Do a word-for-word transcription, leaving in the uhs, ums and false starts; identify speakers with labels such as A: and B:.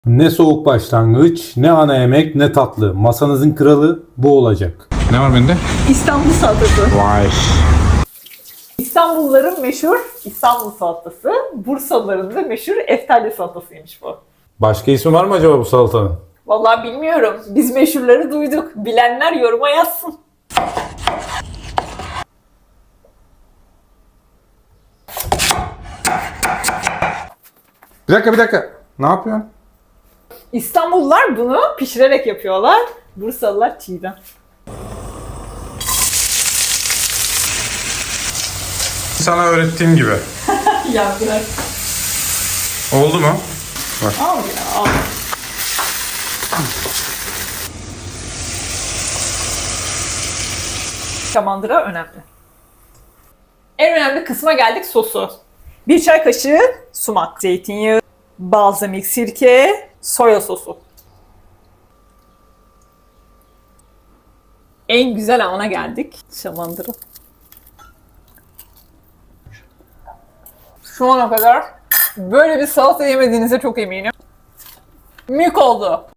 A: Ne soğuk başlangıç, ne ana yemek, ne tatlı. Masanızın kralı bu olacak.
B: Ne var bende?
C: İstanbul salatası.
B: Vay.
C: İstanbulluların meşhur İstanbul salatası. Bursalıların da meşhur Eftalya salatasıymış bu.
A: Başka ismi var mı acaba bu salatanın?
C: Vallahi bilmiyorum. Biz meşhurları duyduk. Bilenler yoruma yazsın.
B: Bir dakika bir dakika. Ne yapıyorsun?
C: İstanbullular bunu pişirerek yapıyorlar. Bursalılar çiğden.
B: Sana öğrettiğim gibi.
C: Ya bırak.
B: Oldu mu?
C: Al ya al. Şamandıra önemli. En önemli kısma geldik, sosu. Bir çay kaşığı sumak, zeytinyağı, balzamik sirke, soya sosu. En güzel ana geldik. Şamandıra. Şu ana kadar böyle bir salata yemediğinize çok eminim. Mük oldu.